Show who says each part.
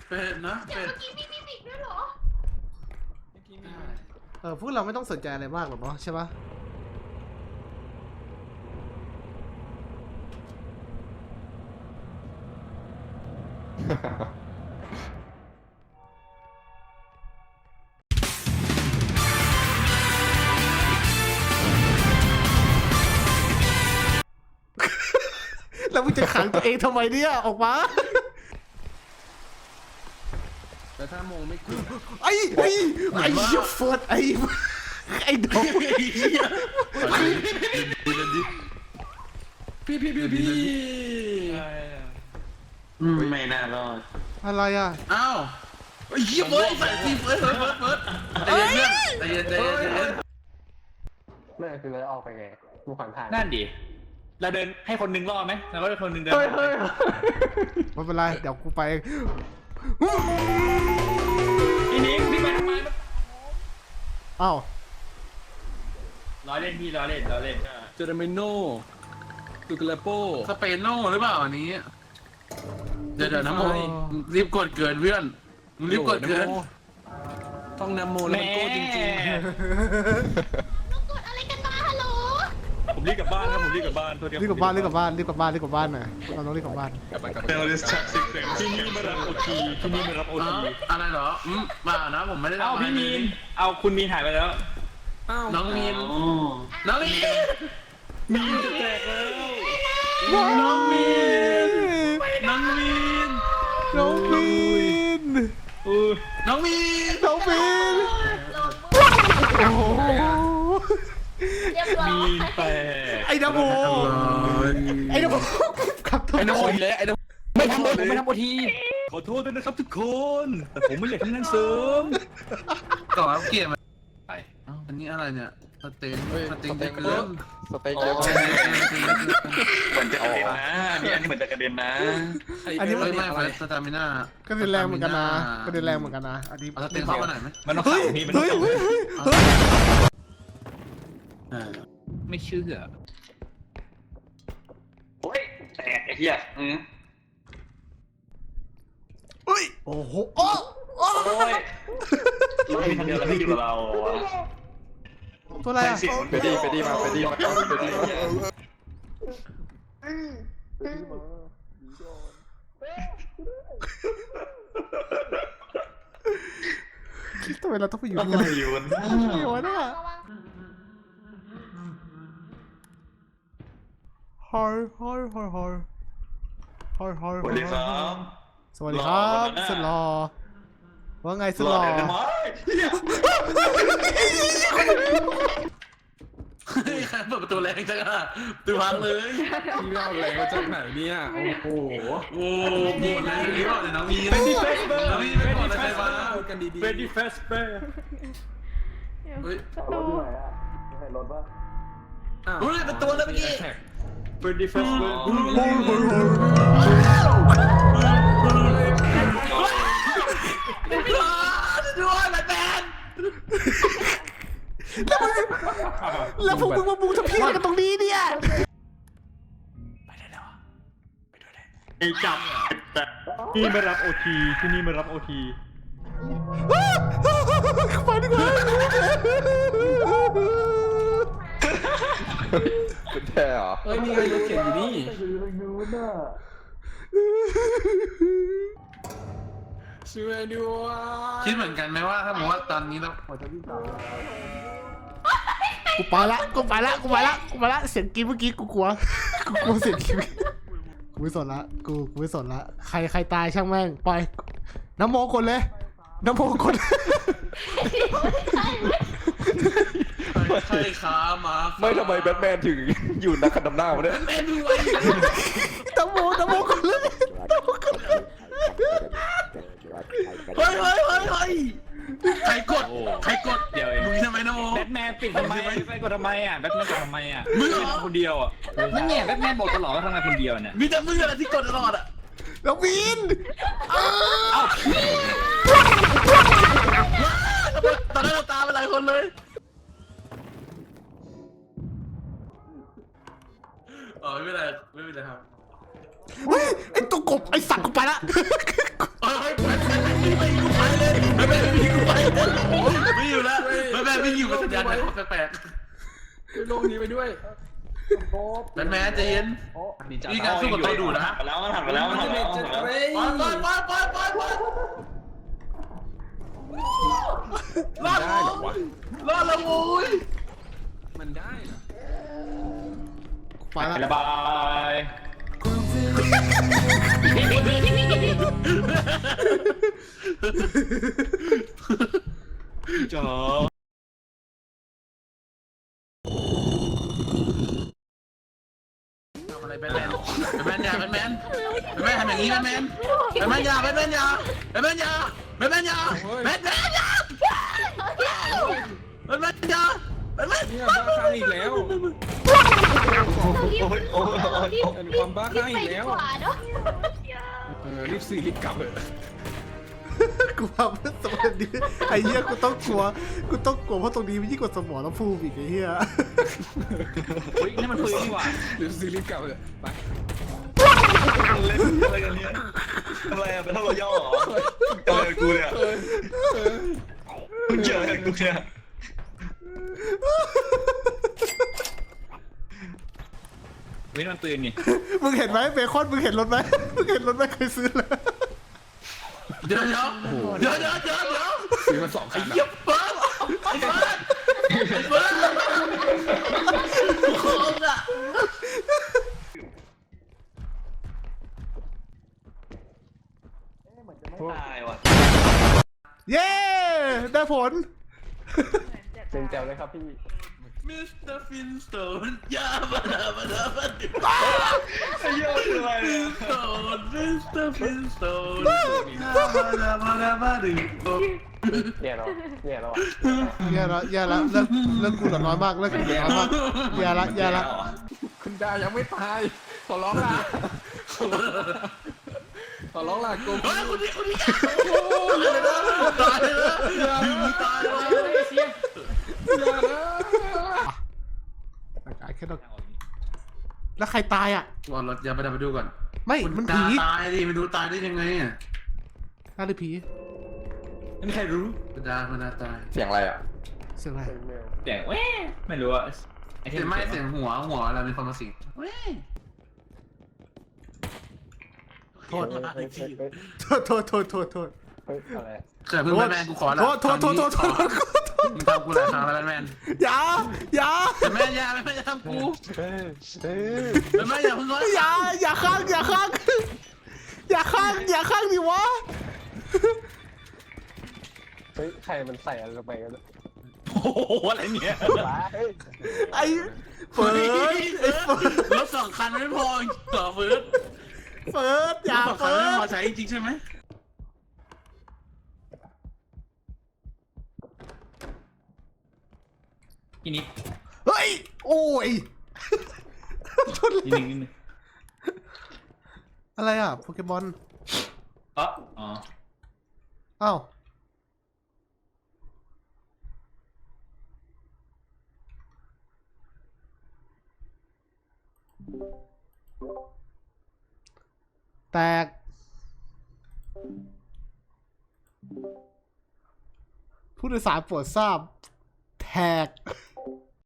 Speaker 1: เป็ดนะเป็ด
Speaker 2: เมื่อกี้มีมิมิกด้วยเหรอ
Speaker 3: พวกเราไม่ต้องสนใจอะไรมากหรอกเนาะใช่ปะแล้วมึงจะขังตัวเองทำไมเนี่ยออกมา
Speaker 1: แต่ถ้ามองไม่กลัว
Speaker 3: ไอ้เฟิร์สไอ้ดอก
Speaker 1: พี่
Speaker 4: ไม่น่ารอด
Speaker 3: อะไรอ่ะ
Speaker 1: อ้าวไอ้เหี้ยเฟิร์สใส่ทีเฟิร์สใจเย็นเพื่อนใจเย็น
Speaker 4: ไม่คือเราออกไปไงกูผ่านผ่าน
Speaker 5: นั่นดิเราเดินให้คนนึงรอดไหมแล้วก็คนนึงเดิน
Speaker 4: เฮ้ย
Speaker 3: ไม่เป็นไรเดี๋ยวกูไป
Speaker 5: พี่นิ้งพี่ไปทำไม
Speaker 3: อ้าว
Speaker 5: ล้อเล่นพี่ล้อเล่น
Speaker 1: เจอร์เมโน่ตุกเลโปสเปโน่หรือเปล่าอันนี้เดี๋ยวนะโมรีบกดเกินเพื่อนรีบกดเกินต้องนโมแล้วมันโก้จริง
Speaker 2: ลูกกดอะไรกันมาฮัลโหล
Speaker 5: ผมรีบกลับบ้านครับผมรีบกลับบ้านตัวเดียว
Speaker 3: รีบกลับบ้านหน่อยเราต้องรีบกลับบ้าน
Speaker 5: เดี๋ยวดิสชักซิกที่นี่มารับโอที
Speaker 1: อะไรเหรอมานะผมไม่ได้
Speaker 5: เอาพี่มีนเอาคุณมีนหายไปแล้ว
Speaker 1: น้องมีนมีนจะแตกแล้วน้องมีนโ
Speaker 3: อ้โห
Speaker 2: เรียบร้อย
Speaker 5: มีนแตก
Speaker 3: ไอ้ดับโบขับตัว
Speaker 1: ไอ้น้องอีแล้วไอ้น้อง
Speaker 5: ไม่ทำโอทีขอโทษด้วยนะครับทุกคนแต่ผมไม่อยากทำงานเสริม
Speaker 1: ก่อนเกียร์มันไปอันนี้อะไรเนี่ยสเต็งเกิน
Speaker 4: สเต็กเยอะ
Speaker 5: เหมือนจะกระเด็นนะนี่อันนี้เหมือนจะกระเด็นนะ
Speaker 3: อันนี้
Speaker 1: ไม่ไฟสตามิน่า
Speaker 3: ก็เดินแรงเหมือนกันนะอันนี้
Speaker 1: เอาสเต็งเข้ามาหน่อยไหม
Speaker 5: มันต้องขับพี่มันต้องขับไม่เชื่อโอ้ยแตกไอ้เหี้ย
Speaker 3: โอ้โห
Speaker 5: โอ้ยเรามีคนเดียวแล้วไม่อยู่กับเรา
Speaker 3: ตัวอะไรอ่ะ
Speaker 4: ไปดีมา
Speaker 3: ทำไมเราต้องไปอยู่ที่
Speaker 5: อะไรอยู่นะ
Speaker 3: วะเนี่ยฮอย
Speaker 5: สวัสดีครับ
Speaker 3: สวัสดีครับสุดหล่อว่าไงสุดหล่อ
Speaker 1: ใครเปิดประตูแรงจังอะตูพังเลยพี่เล่าแรงมาจากไหนเนี่ยโอ้โหโอ้โหหมดเลยนี่บอกเลยน้องมีน้องมีไม่บอกอะไรมากันดีๆ
Speaker 5: เฟรดดี้เฟสเปอร์
Speaker 1: เฮ้ย
Speaker 2: ประตู
Speaker 1: เฮ้ยเป็นตัวแล้วเมื่อกี้
Speaker 5: เฟรดดี้เฟสเปอร์
Speaker 1: ด้วยแบทแมน
Speaker 3: แล้วพวกมึงมาบูทำพี่อะไรกันตรงนี้เนี่ย
Speaker 5: ไอ้จับแต่นี่ไม่รับโอทีที่นี่ไม่รับโอที
Speaker 3: ไปดีกว่า
Speaker 4: เป็นแค่เหรอ
Speaker 1: เฮ้ยมีใครรถเข็นอยู่นี่ช่วยด้วยคิดเหมือนกันไหมว่าถ้าผมว่าตอนนี้เราหัวใจพี่สาว
Speaker 3: กูไปละเสียงกรี๊ดเมื่อกี้กูกลัวเสียงกรี๊ดกูไม่สนละกูไม่สนละใครตายช่างแม่งปล่อยน้ำโมคนเลยน้ำโมคน
Speaker 1: ใช่ขามา
Speaker 4: ไม่ทำไมแบทแมนถึงอยู่นักขัดดำหน้าวะเนี่ย
Speaker 1: แมนด้วย
Speaker 3: น้ำโมคนเลย
Speaker 1: เฮ้ยใครกด
Speaker 5: เดี๋ยวเอง
Speaker 1: มึงทำไมนะโม
Speaker 5: แบทแมนปิดทำไมไปกดทำไมอ่ะแบทแมนกดทำไมอ่ะ
Speaker 1: มึงเหรอ
Speaker 5: คนเดียวอ่ะนั่นไงแบทแมนบอกตลอดว่าทำงานคนเดียวเนี่ย
Speaker 1: มีแต่มึงอะไรที่กดตลอดอ่ะ
Speaker 3: น้องวิน
Speaker 1: ตอนนั้นเราตามไปหลายคนเลยอ๋อไม่เป็นไรครับ
Speaker 3: เฮ้ยไอ้ตัวกบไอ้สัตว์กูไปละ
Speaker 1: เฮ้ยไม่อยู่แล้วแม่ไม่อยู่กับสัญญาณแปลก
Speaker 6: ช่วยโลกนี้ไปด้วยโป๊บ
Speaker 1: แมนใจเย็นนี่การสู้กับตัวดูนะ
Speaker 5: หันแล้วมันหันไปแล้วมันหันไปแล้ว
Speaker 1: ไปรอด
Speaker 6: ได้เหรอวะ
Speaker 1: รอดแล้วโว้ย
Speaker 6: มันได้เหรอ
Speaker 3: ไปละ
Speaker 5: ระบาย จอ
Speaker 1: ทำอะไรแบทแมนอย่าแบทแมนทำอย่างนี้แบทแมนอย่าแบทแมนอย่าแบทแมนอย่าแบทแมนอย่าแบทแมนอย่าแบทแมนอย่าแบทแมน
Speaker 6: เนี่ยบ้าคลั่งอีกแล้ว เป็นความบ้าคลั่งอีกแล้ว
Speaker 2: รีบไปดีกว่าเนาะ
Speaker 6: รีบซื้อรีบกลับเลย
Speaker 3: กูทำเพื่อสมองนี้ไอ้เหี้ยกูต้องกลัวเพราะตรงนี้มันยิ่งกว่าสมองแล้วพูดอีกไอ้เหี้ย
Speaker 5: เฮ้ยนี่มันปืนนี่หว่า
Speaker 6: รีบซื้อรีบกลับเลยไป
Speaker 5: เล่นอะไรกันเนี่ยอะไรอะเป็นท่ารอย่อเหรอเจอกูเนี่ยมึงเจอกูเนี่ยเฮ้ยมันปืนไง
Speaker 3: มึงเห็นไหมเบคอนมึงเห็นรถไหมเคยซื้อเลย
Speaker 1: เดี๋ยว
Speaker 6: ซื้อมา2 คัน
Speaker 1: เยี่ยมเบิร์ดโคตรอ่ะ
Speaker 5: ตายว่ะ
Speaker 3: เย้ได้ผล
Speaker 4: เป็นแจวเลยครับพี่
Speaker 1: มิสเตอร์ฟินสโตนยาบาดาบาดาบาด
Speaker 5: ไอ้เหี้ยคืออะไรเนี่ย
Speaker 1: สโตนมิสเตอร์ฟินสโตนยาบาดาบาดาบาดึง
Speaker 4: แย่แล้วแย่แล้วอ่ะ
Speaker 3: แย่ละเลิกกูเหลือน้อยมากเลิกกูเหลือน้อยมากแย่ละ
Speaker 6: คุณดายังไม่ตายขอร้องล่ะขอร้องล่ะโกง
Speaker 1: เฮ้ยคนนี้ตายเลยตายเลย
Speaker 6: อย่านะ
Speaker 3: ตายแค่ดอกแล้วใครตายอ่ะ
Speaker 1: วอลรถอย่าไปดูก่อน
Speaker 3: ไม่มันผี
Speaker 1: ตายดิไม่ดูตายได้ยังไงอ่ะ
Speaker 3: น่าจะผี
Speaker 5: ไม่มีใครรู้
Speaker 1: มันดาตาย
Speaker 4: เสียงอะไรอ่ะ
Speaker 3: เสียงอะไร
Speaker 5: เสียงแว่ไม่รู้อะไอ้
Speaker 1: เสียงไม่เสียงหัวอะไรมีคนมาสิงเว้ย
Speaker 3: โทษ
Speaker 4: เฮ้ย
Speaker 3: โทษ
Speaker 4: เฮ้ยอะไร
Speaker 1: เกิดเพิ่งแบทแมนกูขอแล้ว
Speaker 3: โทษ
Speaker 1: มึงทำกูหลายครั้งแล้วแบทแมน
Speaker 3: อย่า
Speaker 1: แบทแมนอย่าทำกู
Speaker 4: เฮ้ย
Speaker 1: แบทแมนอย่าเพิ่งร้อย
Speaker 3: อย่าข้างดิวะ
Speaker 4: เฮ้ยใครมันใส่อะไรลงไปกัน
Speaker 5: โอ้โหอะไรเนี่ย
Speaker 4: เฮ้ย
Speaker 3: ไอ้เฟิร์ส
Speaker 1: รถ2 คันไม่พอต่อเฟิร์ส
Speaker 3: อย่าร
Speaker 1: ถ2 คัน
Speaker 3: เฟิ
Speaker 1: ไม่
Speaker 3: ร์
Speaker 1: พอ
Speaker 3: ส
Speaker 1: ใช้จริงใช่ไหม
Speaker 5: ทีนี้
Speaker 3: เฮ้ยโอ้ยชน
Speaker 5: นิดนึง
Speaker 3: อะไรอ่ะโปเกมอน
Speaker 5: อ๋อ
Speaker 3: อ้าวแตกผู้โดยสารโปรดทราบแท็ก